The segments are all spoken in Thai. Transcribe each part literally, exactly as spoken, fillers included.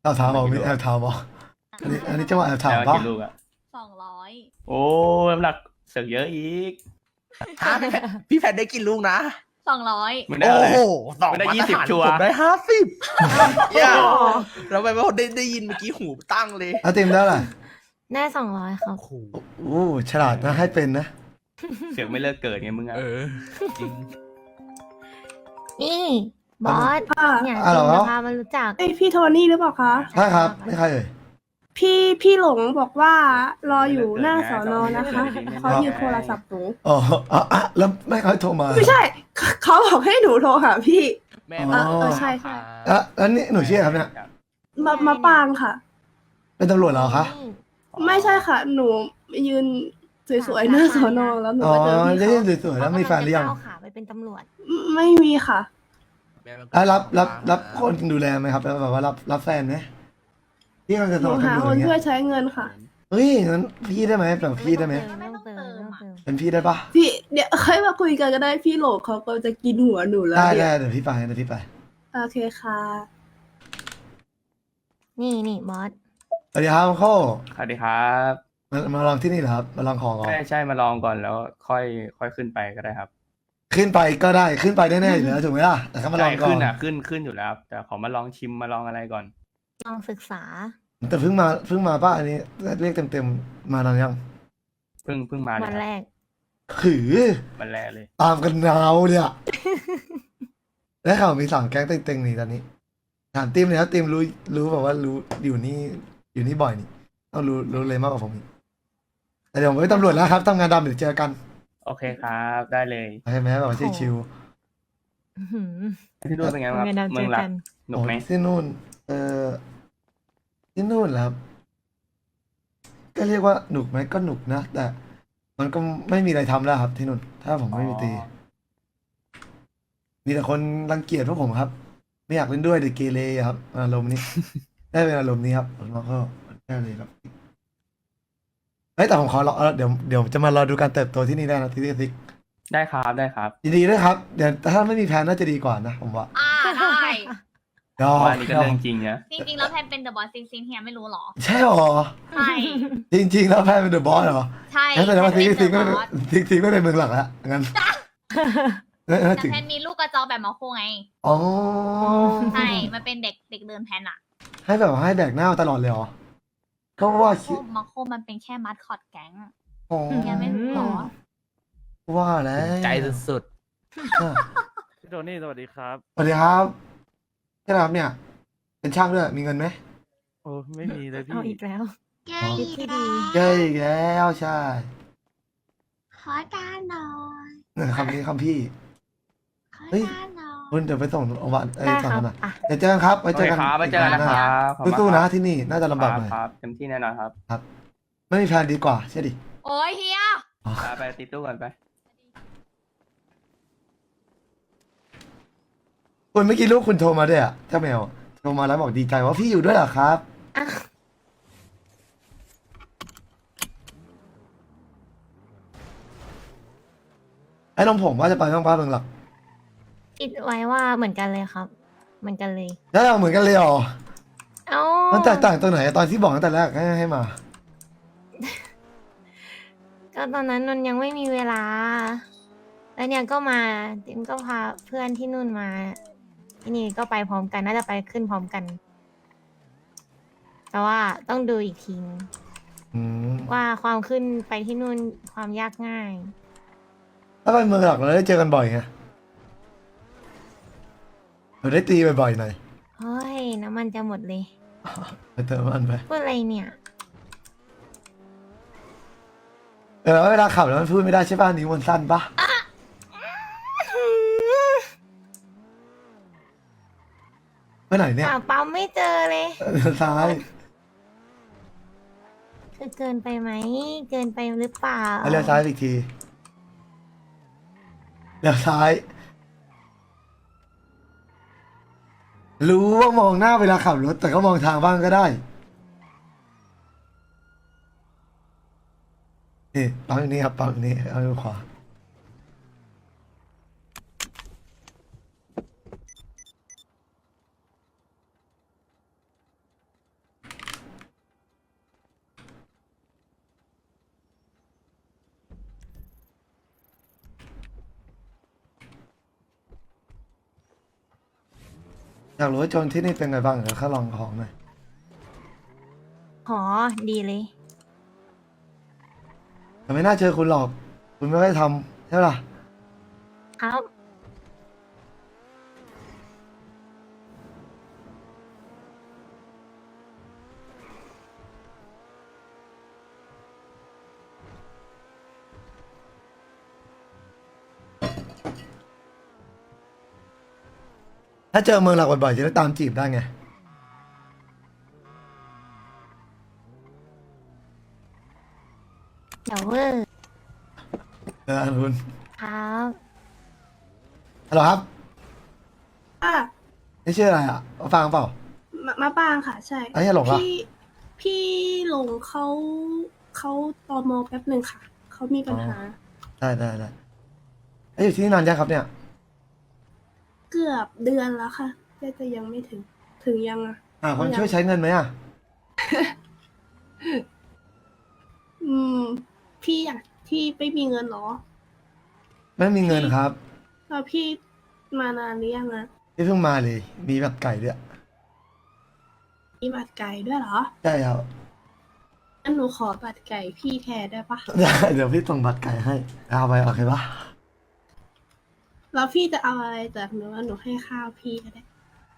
แอบถามบอกมีแอบถามบอกอันนี้อันนี้จะว่าแอบถามแล้วปะกี่ลูกอะสองร้อยโอ้น้ำหนักเสือกเยอะอีกฮะพี่แพทได้กินลูกนะสองร้อยไม่ได้โอ้อะไรโหสองไม่ได้มาตรยี่สิบฐานชัวร์ผมได้ห้าสิบเนี่ยเราไปว่าได้ได้ยินเมื่อกี้หูตั้งเลยอาติมได้แหละได้สองร้อยครับโอ้โหอู้ฉลาดนะให้เป็นนะเสือกไม่เลิกเกิดไงมึงอะเออจริงนี่บอสค่ะเนี่ยอ่ะเหรอจิมจะพามารู้จักเอ้ยพี่โทนี่หรือเปล่าคะใช่ครับไม่ใครเอ่ยพี่พี่หลงบอกว่ารออยู่หน้าสอนอนะคะเขาหยิบโทรศัพท์หนูอ๋ออ่ะอ่ะแล้วไม่เขาโทรมาไม่ใช่ เขาบอกให้หนูโทรหาพี่แม่อ๋อเออใช่ใช่อ่ะแล้วนี่หนูชื่ออะไรครับเนี่ยมามาปางค่ะเป็นตำรวจเหรอคะไม่ใช่ค่ะ หนูยืนสวยๆหน้าสอนอแล้วหนูอ๋อก็เจอพี่ได้เขายินสวยๆแล้วมีแฟนหรือยังเขากำลัจะก้าวขาไปเป็นตำรวจไม่มีค่ะอ่ะรับรับรับคนดูแลไหมครับแล้วแบบว่ารับรับแฟนไหมพี่กำลังจะหสนูมัครหาตำรควจนเงี้ช่วย ยใช้เงินค่ะเฮ้ยงั้นพี่ได้ไหมแบบพี่ได้ไหมไม่ต้องเติมไม่ต้องเติมเป็นพี่ได้ปะพี่เดี๋ยวค่อยมาคุยกันก็ได้พี่หลงเขาก็จะกินหัวหนูแล้วได้เนี่ได้ยเดี๋ยวพี่ไปเดี๋ยวพี่ไปโอเคค่ะนี่นี่บอสสวัสดีครับโค้สวัสดีครับมามาลองที่นี่เหรอครับมาลองของก่อนใช่ใช่มาลองก่อนแล้วค่อยค่อยขึ้นไปก็ได้ครับขึ้นไปก็ได้ขึ้นไปแน่ๆอยู่แล้วถูกไหมล่ะแต่ก็มาลใช่องก่อขึ้นนอ่ะขึ้นขึ้นอยู่แล้วครับแต่ขอมาลองชิมมาลองอะไรก่อนลองศึกษาแต่เพิ่งมาเพิ่งมาป้าอันนี้เรียกเต็มๆมานานยังเพิ่งเพิ่งมาเลยวันครับแรกขือวันแรกเลยตามกันนาวเลยอะ และข่าวมีสามแก๊งเต็งๆนี่ตอนนี้ถามติมเลยครับติมรู้รู้แบบว่ารู้อยู่นี่อยู่นี่บ่อยนี่ต้องรู้รู้เลยมากกว่าผมอีกแต่เดี๋ยวผมไม่ตำรวจแล้วครับทำงานดำเดี๋ยวเจอกันโอเคครับได้เลยใช่ไหมแบบว่าชิวอื้อหือที่นู่นเป็นไงบ้างครับเงินดำเมืเจองอหลักกันๆหนุกไหมโอ้ที่นู่น เออที่นู่นแหละครับก็เรียกว่าหนุกไหมก็หนุกนะแต่ มันก็ไม่มีอะไรทำแล้วครับ ที่นู่น ถ้าผมไม่มีตี มีแต่คนรังเกียจพวกผมครับ ไม่อยากเล่นด้วยเด็กเกเรอะครับอารมณ์นี้ ได้เป็นอารมณ์นี้ครับผมก็ได้เลยครับเฮ้ยแต่ผมขอรอเดี๋ยวเดี๋ยวจะมารอดูการเติบโตที่นี่ได้นะที่นี่ซิกได้ครับได้ครับยินดีด้วยครับเดี๋ยวถ้าไม่มีแพลนน่าจะดีกว่านะผมว่าอ่าได้ยอว่าอันนี้ก็เรื่องจริงนะจริงๆแล้วแพนเป็นเดอะบอสซิงซิงเฮียไม่รู้หรอใช่หรอใช่จริง ๆ แล้วแพลนเป็นเดอะบอสเหรอใช่งั้นแสดงว่าแพซินกเป็นซิกเดไม่อะเป็นบอสซิกซิกไม่เป็นเมืองหลักแล้วงั้นงั้นแต่ถึงแพนมีลูกกระจอกแบบมาโคไงอ๋อใช่ มันเป็นเด็กเด็กเดินแพนอะให้แบบว่าให้แบกหน้าตลอดเลยเหรอก็ว่ามาโคคิดมาโคมันเป็นแค่มัดคอดแก๊งอ๋อเฮียไม่รู้หรอว่าแล้วใจสุดอ่ะพี่โทนี่สวัสดีครับสวัสดีครับใช่ครับเนี่ย เป็นช่างด้วยมีเงินไหมโอ้ไม่มีเลยพี่เอาอีกแล้วเย้คิดที่ดีเย้อีกแล้วใช่ขอการหน่อยเนี่ยคำนี้คำพี่ขอเฮ้ยการหน่อยคุณเดี๋ยวไปส่งโรงพยาบาลเอ้ยได้ส่งครักับ นหน่อยอ่ะเดี๋ยวเจอกันครับไว้โอเจอเคกันครับไปเจอกันนะครับขอบคุณสู้ๆคนะรับที่นี่น่าจะลำบากหน่อยครับเต็มที่แน่นอนครับไม่มีแพลนดีกว่าใช่ดิโอ้ยเฮียอ๋อไปไปติดตู้ก่อนไปคุณเมื่อกี้ลูกคุณโทรมาด้วยอ่ะเจ้าแมวโทรมาแล้วบอกดีใจว่าพี่อยู่ด้วยเหรอครับอ่ะไอ้น้องผมว่าจะไปบ้างป้าเมืองหลักคิดไว้ว่าเหมือนกันเลยครับ เหมือนกันเลยแล้วเราเหมือนกันเลยเหรอเอ้ามันแตกต่างตรงไหนตอนที่บอกตั้งแต่แรกให้ให้มาก็ตอนนั้นนนยังไม่มีเวลา แล้วเนี่ยก็มาติมก็พาเพื่อนที่นู่นมา ที่นี่ก็ไปพร้อมกัน น่าจะไปขึ้นพร้อมกัน แต่ว่าต้องดูอีกทีนึงอืมว่าความขึ้นไปที่นู่นความยากง่ายถ้าไปเมืองหลักเราได้เจอกันบ่อยไงเราได้ตีบ่อยๆหน่อยเฮ้ย น้ำมันจะหมดเลยไปเติมมันไปพูดอะไรเนี่ยเออแล้วเวลาขับแล้วมันพูดไม่ได้ใช่ป่ะนิ้วมันสั้นปะไปไหนเนี่ยหาปั๊มไม่เจอเลยเดินซ้ายคือเกินไปไหม เกินไปหรือเปล่าเอาเลี้ยวซ้ายอีกทีเลี้ยวซ้าย รู้ว่ามองหน้าเวลาขับรถแต่ก็มองทางบ้างก็ได้นี่ปั๊มอยู่นี่ครับปั๊มอยู่นี่เอาดูขวาอยากรู้ว่าโจรที่นี่เป็นไงบ้างเดี๋ยวข้าลองของหน่อยหอดีเลยแต่ไม่น่าเจอคุณหรอก คุณไม่ได้ทำใช่ปะล่ะครับถ้าเจอเมืองหลักบ่อยๆจะได้ตามจีบได้ไงเดี๋ยวเวอร์เออคุณครับฮัลโหลครับอ่ะนี่ชื่ออะไรอ่ะมาฟังเปล่ามามาปางค่ะ ใช่ไอ้เหี้ยหลงเหรอพี่พี่หลงเขาเขาตอมอแป๊บหนึ่งค่ะ เขามีปัญหาได้ได้ได้ไอ้ยอยู่ที่นี่นานยังครับเนี่ยเกือบเดือนแล้วค่ะแต่จะยังไม่ถึง ถึงยังอ่ะอ่าคนช่วยใช้เงินไหมอ่ะอืม พี่อยากที่ไม่มีเงินเหรอไม่มีเงินครับแล้วพี่มานานหรือยังอะที่เพิ่งมาเลย มีแบบไก่ด้วยมีบัตรไก่ด้วยเหรอใช่ครับงั้นหนูขอบัตรไก่พี่แทนได้ปะได้เดี๋ยวพี่ส่งบัตรไก่ให้เอาไปโอเคปะแล้วพี่จะเอาอะไรจากหนูว่าหนูให้ข้าวพี่ก็ได้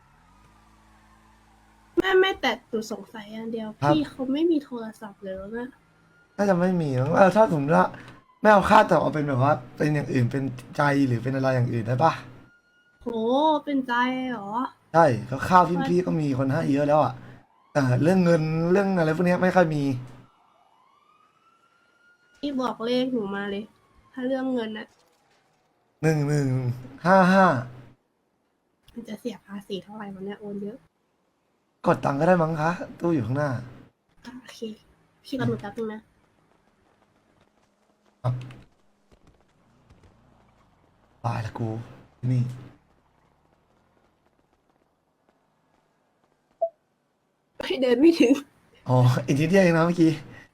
แม่แม่แต่หนูสงสัยอย่างเดียว พี่เขาไม่มีโทรศัพท์เลยนะน่าจะไม่มีมั้งเออถ้าสมมติว่าไม่เอาค่าแต่เอาเป็นแบบว่า เป็นอย่างอื่นเป็นใจหรือเป็นอะไรอย่างอื่นได้ปะโหเป็นใจเหรอใช่เขาข้าวพี่พี่ก็มีคนให้เยอะแล้วอ่ะแต่เรื่องเงินเรื่องอะไรพวกเนี้ยไม่ค่อยมีพี่บอกเลขหนูมาเลย ถ้าเรื่องเงินนะหนึ่งหนึ่งห้าห้ามันจะเสียภาษีเท่าไหร่วันเนี้ยโอนเยอะกดตังค์ก็ได้มั้งคะ ตู้อยู่ข้างหน้าอ่ะโอเค พี่รับหนูแป๊บนึงนะตายละกูที่นี่ไม่เดินไม่ถึงอ๋ออีกทีเดียวเองนะเมื่อกี้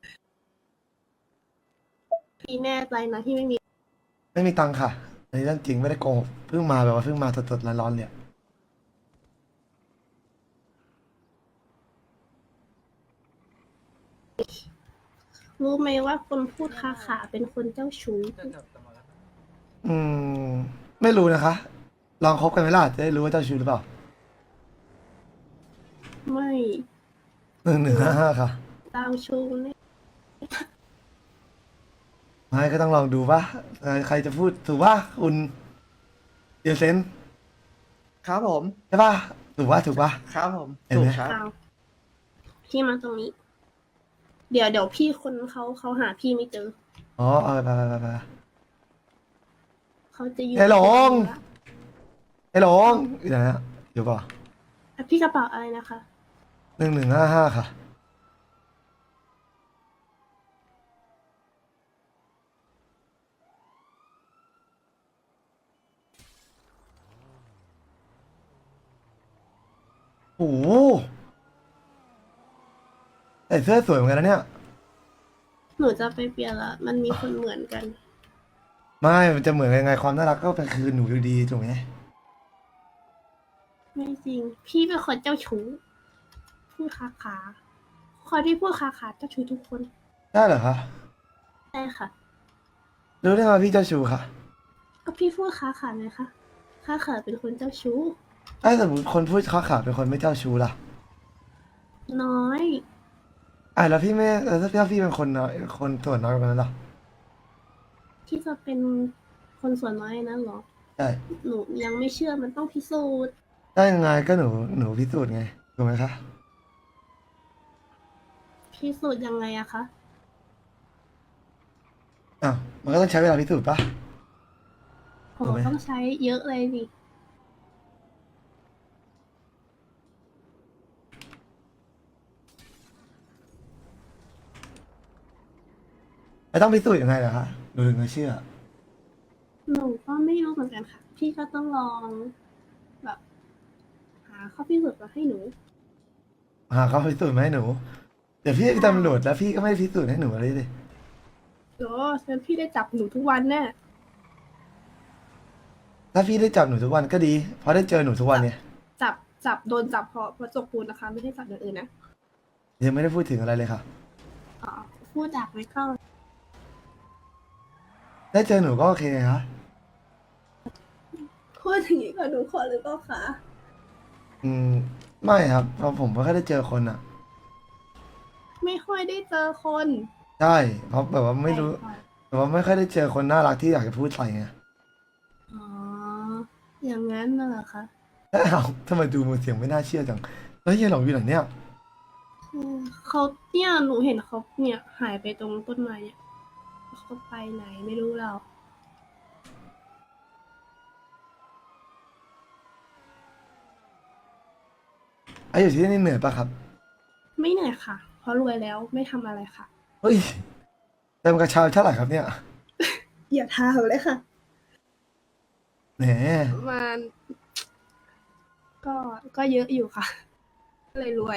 พี่แน่ใจนะที่ไม่มีไม่มีตังค์ค่ะอันนี้เรื่องจริงไม่ได้โกหกเพิ่งมาแบบว่าเพิ่งมาสดๆร้อนๆเนี่ยรู้ไหมว่าคนพูดค้าขาเป็นคนเจ้าชู้อืม ไม่รู้นะคะ ลองคบกันไหมล่ะจะได้รู้ว่าเจ้าชู้หรือเปล่าไม่หนึ่งหนึ่งห้าห้าค่ะเจ้าชู้เนี่ยไม่ก็ต้องลองดูป่ะเออใครจะพูดถูกป่ะคุณเดียเซนครับผมใช่ป่ะถูกป่ะถูกป่ะครับผมเห็นไหมถูกครับเอาพี่มาตรงนี้ เดี๋ยวเดี๋ยวพี่คนเขาเขาหาพี่ไม่เจออ๋อเออไปไปไปไปเขาจะอยู่ไอ้หลง ไอ้หลงอยู่ไหนอะอยู่ป่ะอ่ะพี่กระเป๋าอะไรนะคะหนึ่งหนึ่งห้าห้าค่ะ โอ้โหใส่เสื้อสวยเหมือนกันนะเนี่ยหนูจะไปเปลี่ยนละ มันมีคนเหมือนกันไม่ มันจะเหมือนยังไงความน่ารักก็เป็นคือหนูอยู่ดีถูกไหมไม่จริง พี่เป็นคนเจ้าชู้ พูดค้าขาคนที่พูดค้าขาเจ้าชู้ทุกคนได้เหรอคะใช่ค่ะรู้ได้ไงว่าพี่เจ้าชู้ค่ะก็พี่พูดค้าขาไงคะค้าขาเป็นคนเจ้าชู้ถ้าสมมติคนพูดค้าขาเป็นคนไม่เจ้าชู้ล่ะน้อยอ่ะแล้วพี่ไม่แล้วถ้าพี่เป็นคนน้อยคนส่วนน้อยกว่านั้นล่ะที่จะเป็นคนส่วนน้อยนะเหรอใช่หนูยังไม่เชื่อมันต้องพิสูจน์ได้ยังไงก็หนูหนูพิสูจน์ไงถูกไหมคะพิสูจน์ยังไงอะคะอ้าวมันก็ต้องใช้เวลาพิสูจน์ปะโหถูกไหมต้องใช้เยอะเลยดิแล้วต้องพิสูจน์ยังไงล่ะคะหนูถึงจะเชื่อหนูก็ไม่รู้เหมือนกันค่ะ พี่ก็ต้องลองแบบหาข้อพิสูจน์มาให้หนูหาเขาพิสูจน์มาให้หนู เดี๋ยวพี่เป็นตำรวจแล้วพี่ก็ไม่พิสูจน์ให้หนูอะไรเลยโอ้ฉันพี่ได้จับหนูทุกวันแน่ถ้าพี่ได้จับหนูทุกวันก็ดี เพราะได้เจอหนูทุกวันเนี่ยจับจับโดนจับเพราะเพราะจกปูนนะคะ ไม่ได้จับอย่างอื่นนะยังไม่ได้พูดถึงอะไรเลยค่ะอ๋อพูดจากไม่เข้าได้เจอหนูก็โอเคครับพูดอย่างนี้กับหนูขอหรือเปล่าคะอืมไม่ครับเพราะผมไม่ค่อยได้เจอคนอ่ะไม่ค่อยได้เจอคนใช่เพราะแบบว่าไม่รู้ใช่ค่ะแบบว่าไม่ค่อยได้เจอคนน่ารักที่อยากจะพูดใส่ไงอ๋อ อย่างนั้นน่ะเหรอคะแล้วเอาทำไมดูมือเสียงไม่น่าเชื่อจังแล้วเฮียหลงอยู่ไหนเนี่ยอืมเขาเนี่ยหนูเห็นเขาเนี่ยหายไปตรงต้นไม้เนี่ยเขาไปไหนไม่รู้เราไอ้อยู่ที่นี่เหนื่อยปะครับไม่เหนื่อยค่ะ เพราะรวยแล้วไม่ทำอะไรค่ะเฮ้ยเต็มกระเช้าเท่าไหร่ครับเนี่ยอย่าทามเลยค่ะแหมมันก็ก็เยอะอยู่ค่ะ ก็เลยรวย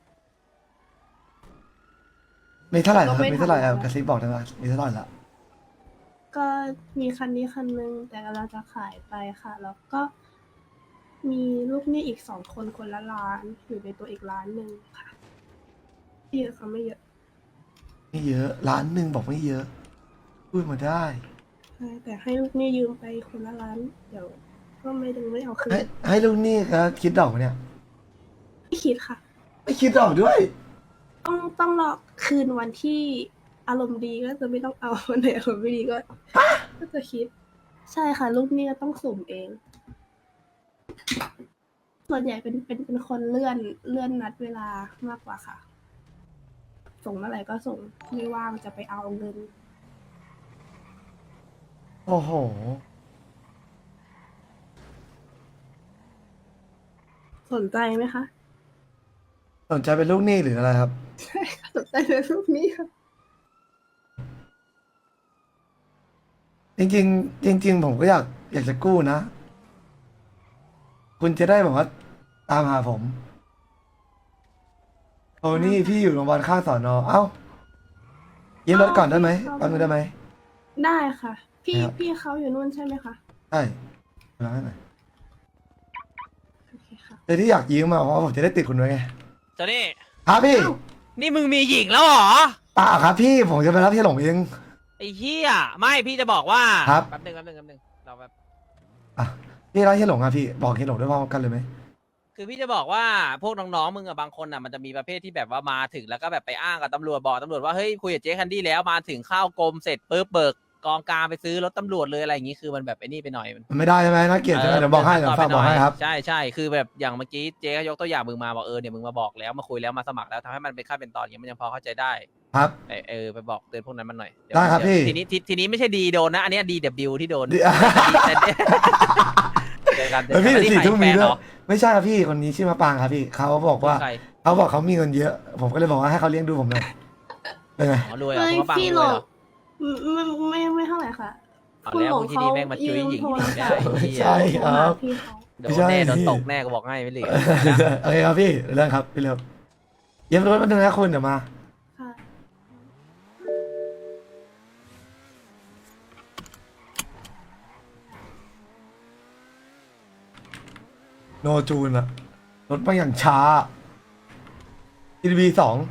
มีเท่าไหร่ครับก็ไม่มีเท่าไหร่ทำอะไรเอากระซิบบอกได้ไหมมีเท่าไหร่ละก็มีคันนี้คันนึงแต่กำลังจะขายไปค่ะ แล้วก็มีลูกหนี้อีกสองคนคนละล้านอยู่ในตัวอีกล้านหนึ่งค่ะไม่เยอะค่ะไม่เยอะไม่เยอะล้านหนึ่งบอกไม่เยอะ พูดมาได้ใช่แต่ให้ลูกหนี้ยืมไปคนละล้าน เดี๋ยว ก็ไม่ดึงไม่เอาคืนให้ให้ลูกหนี้ครับคิดดอกไหมเนี่ยไม่คิดค่ะไม่คิดดอกด้วยต้องต้องรอคืนวันที่อารมณ์ดีก็จะไม่ต้องเอา วันไหนอารมณ์ไม่ดีก็ ก็จะคิด ใช่ค่ะ ลูกหนี้ก็ต้องสุ่มเอง ส่วนใหญ่เป็นเป็นเป็นคนเลื่อนเลื่อนนัดเวลามากกว่าค่ะ ส่งเมื่อไหร่ก็ส่งไม่ว่างจะไปเอาเงินโอ้โหสนใจไหมคะสนใจเป็นลูกหนี้หรืออะไรครับใช่ค่ะสนใจในรูปนี้ค่ะจริงๆจริง ๆ ผมก็อยากอยากจะกู้นะ คุณจะได้แบบว่าตามหาผมโทนี่พี่อยู่โรงพยาบาลข้างสอนอเอ้ายืมรถก่อนได้ไหมเอาแป๊บนึงได้ไหมได้ค่ะ พี่ครับพี่เขาอยู่นู่นใช่ไหมคะใช่มาให้หน่อยโอเคค่ะแต่ที่อยากยืมมาเพราะว่าผมจะได้ติดคุณไว้ไงโจนี่ครับพี่อ้าวนี่มึงมีหญิงแล้วเหรอเปล่าครับพี่ผมจะไปรับพี่หลงเองไอ้เหี้ยไม่พี่จะบอกว่าครับแป๊บนึงแป๊บนึงแป๊บนึงเราแบบอ่ะพี่รับพี่หลงอ่ะพี่บอกพี่หลงด้วยพร้อมกันเลยไหมคือพี่จะบอกว่าพวกน้องๆมึงอะบางคนอะมันจะมีประเภทที่แบบว่ามาถึงแล้วก็แบบไปอ้างกับตำรวจบอกตำรวจว่าเฮ้ยคุยกับเจ๊คันดี้แล้วมาถึงเข้ากรมเสร็จปุ๊บเบิกกองกลางไปซื้อรถตำรวจเลยอะไรอย่างงี้คือมันแบบไอ้นี่ไปหน่อยมันมันไม่ได้ใช่ไหมน่าเกลียดใช่ไหมเดี๋ยวบอกให้เดี๋ยวฝากบอกให้ครับใช่ใช่คือแบบอย่างเมื่อกี้เจ๊ก็ยกตัวอย่างมึงมาบอกเออเนี่ยมึงมาบอกแล้วมาคุยแล้วมาสมัครแล้วทำให้มันเป็นขั้นเป็นตอนอย่างเงี้ยมันยังพอเข้าใจได้ครับเออเออไปบอกเตือนพวกนั้นมันหน่อยเยวได้ครับเยวพี่ทีนี้ทีทีนี้ไม่ใช่ดีโดนนะ อันเนี้ดีเดบิวที่โดนดีแต่แต่เจอกันเจเอออกัพี่นเดี๋ยวนี่สี่ขายทุ่มแฟมีนด้เหรวยอไม่ใช่ครับพี่คนนี้ชื่อมะปางครับพี่เขาบอกว่าใครเขาบอกเขามีเงินเยอะ ผมก็เลยบอกว่าให้เขาเลี้ยงดูผมหน่อยเป็นไงอ๋อรวยเหรอเฮ้ยคุณว่าปังพี่รหลวยงเหรอไม่ไม่ไม่เท่าไหร่ค่ะเอาคุณแล้วหลงพวกที่นี่แม่งมาจุ้ยหญิงโทรไม่ได้ศัพท์ไม่เหี้ยใช่โทรหาพี่เขาโดนแน่โดนตกแน่ก็บอกให้ไม่เหลือโอเคครับพี่เรื่องครับพี่เร็วเย็บรถมาหนึ่งนะคุณเดี๋ยวมาค่ะโนจูนอะรถมาอย่างช้าทีวีสอง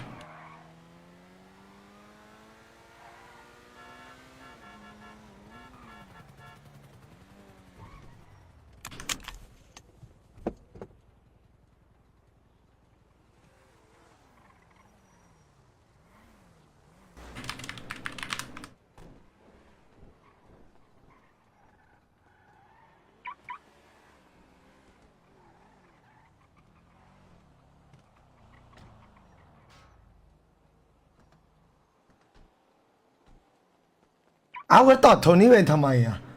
เอาแล้วตอดโทนี่เวนทำไมอะ